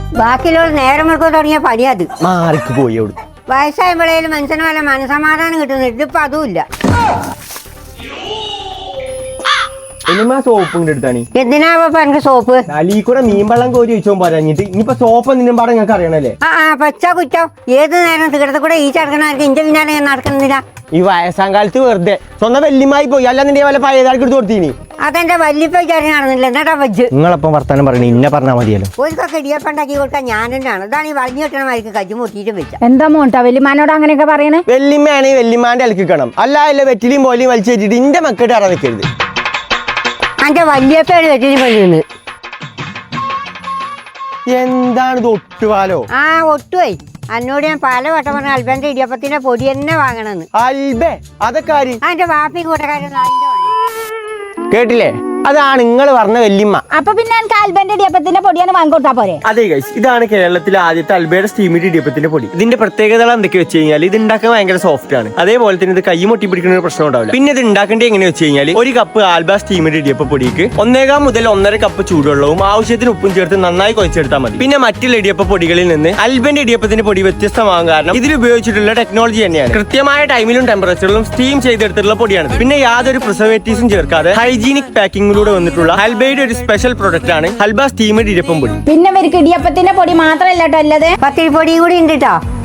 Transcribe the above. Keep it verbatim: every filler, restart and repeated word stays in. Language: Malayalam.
ബാക്കിയുള്ള നേരം വെളുക്കാൻ തുടങ്ങിയ പണിയത് മാറിക്ക് പോയി അവിടെ. വയസ്സായപ്പോഴേലും മനുഷ്യന് വല്ല മനസമാധാനം കിട്ടുന്നു. ഇതിപ്പോ അതുമില്ല. സോപ്പ് എടുത്താണ്. എന്തിനാ എനിക്ക് സോപ്പ്? അലീ കൂടെ മീൻ വെള്ളം കോരി വെച്ചോ പറഞ്ഞിട്ട് ഇനിയിപ്പോ സോപ്പ് എന്തിനും പാടെ നിങ്ങൾക്ക് അറിയണല്ലേ? ആ ആ പച്ച കുറ്റം. ഏത് നേരം തീർത്ത കൂടെ ഈ ചടക്കണവർക്ക് ഇന്റെ പിന്നാലെ നടക്കുന്നില്ല. ഈ വയസ്സാം കാലത്ത് വെറുതെ സ്വന്തം വല്യമായി പോയി. അല്ലാതെ വല്ല പഴയതാൾക്ക് എടുത്ത് കൊടുത്തീനി. അതെന്റെ വല്യപ്പ വിചാരം നടന്നില്ല. എന്നാട്ടാ വെച്ച് നിങ്ങളപ്പം വർത്താനം പറയണേ ഇന്നെ പറഞ്ഞാൽ മതിയല്ലോ. ഒരുക്കൊക്കെ ഇടിയപ്പം ഉണ്ടാക്കി കൊടുക്കാൻ ഞാൻ തന്നെയാണ്. ഇതാണ് ഈ വളഞ്ഞു കിട്ടണമായിരിക്കും കജ്ജു മുട്ടിയിട്ട് വെച്ച. എന്താ മോട്ടാ വല്യമാനോട് അങ്ങനെയൊക്കെ പറയണേ? വെല്ലിമ്മയാണെ വെല്ലിമാന്റെ അലക്കിക്കണം. അല്ല അല്ല വെറ്റിലും പോലെയും വലിച്ചു വെച്ചിട്ട് ഇന്റെ മക്കളുടെ അറ വെക്കരുത്. എന്റെ വല്യപ്പയാണ് വെറ്റിലും പണിയുന്നത്. എന്താണ് ഇത് ഒട്ടുപാലോ? ആ ഒട്ടുപോയി. എന്നോട് ഞാൻ പല വട്ടം പറഞ്ഞ അൽബന്റെ ഇടിയപ്പത്തിന്റെ പൊടി തന്നെ വാങ്ങണമെന്ന്. അൽബേ അതൊക്കെ ആര്? അതിന്റെ വാപ്പി കൂട്ടക്കാരൻ കേട്ടില്ലേ? അതാണ് നിങ്ങൾ പറഞ്ഞ വല്യമ്മ. അപ്പൊ പിന്നെ എനിക്ക് ആൽബന്റെ ഇടിയപ്പത്തിന്റെ പൊടിയാണ് വാങ്ങിക്കൊടുത്താ പോരെ? അതെ ഗൈസ്, ഇതാണ് കേരളത്തിലെ ആദ്യത്തെ അൽബയുടെ സ്റ്റീമിഡ് ഇടിയപ്പത്തിന്റെ പൊടി. ഇതിന്റെ പ്രത്യേകത എന്തൊക്കെ വെച്ച് കഴിഞ്ഞാൽ ഇത് ഉണ്ടാക്കാൻ ഭയങ്കര സോഫ്റ്റ് ആണ്. അതേപോലെ തന്നെ ഇത് കൈ മുട്ടി പിടിക്കുന്ന ഒരു പ്രശ്നം ഉണ്ടാവില്ല. പിന്നെ ഇത് ഉണ്ടാക്കേണ്ടത് എങ്ങനെ വെച്ച് കഴിഞ്ഞാൽ ഒരു കപ്പ് ആൽബ സ്റ്റീമിഡ് ഇടിയപ്പ പൊടിക്ക് ഒന്നേകാം മുതൽ ഒന്നര കപ്പ് ചൂടുവെള്ളവും ആവശ്യത്തിന് ഉപ്പും ചേർത്ത് നന്നായി കുഴച്ചെടുത്താൽ മതി. പിന്നെ മറ്റുള്ള ഇടിയപ്പ പൊടികളിൽ നിന്ന് അൽബന്റെ ഇടിയപ്പത്തിന്റെ പൊടി വ്യത്യസ്തമാകും. കാരണം ഇതിൽ ഉപയോഗിച്ചിട്ടുള്ള ടെക്നോളജി തന്നെയാണ്. കൃത്യമായ ടൈമിലും ടെമ്പറേച്ചറിലും സ്റ്റീം ചെയ്തെടുത്തിട്ടുള്ള പൊടിയാണ്. പിന്നെ യാതൊരു പ്രിസർവേറ്റീവ്സും ചേർക്കാതെ ഹൈജീനിക് പാക്കിംഗ് വന്നിട്ടുള്ള ഹൽബയുടെ ഒരു സ്പെഷ്യൽ പ്രൊഡക്റ്റ് ആണ് ഹൽബ സ്റ്റീമഡ് ഇടിയപ്പം പൊടി. പിന്നെ ഇവർക്ക് ഇടിയപ്പത്തിന്റെ പൊടി മാത്രമല്ല കേട്ടോ അല്ലത് പത്തിരി പൊടിയും കൂടി ഉണ്ട് കേട്ടോ.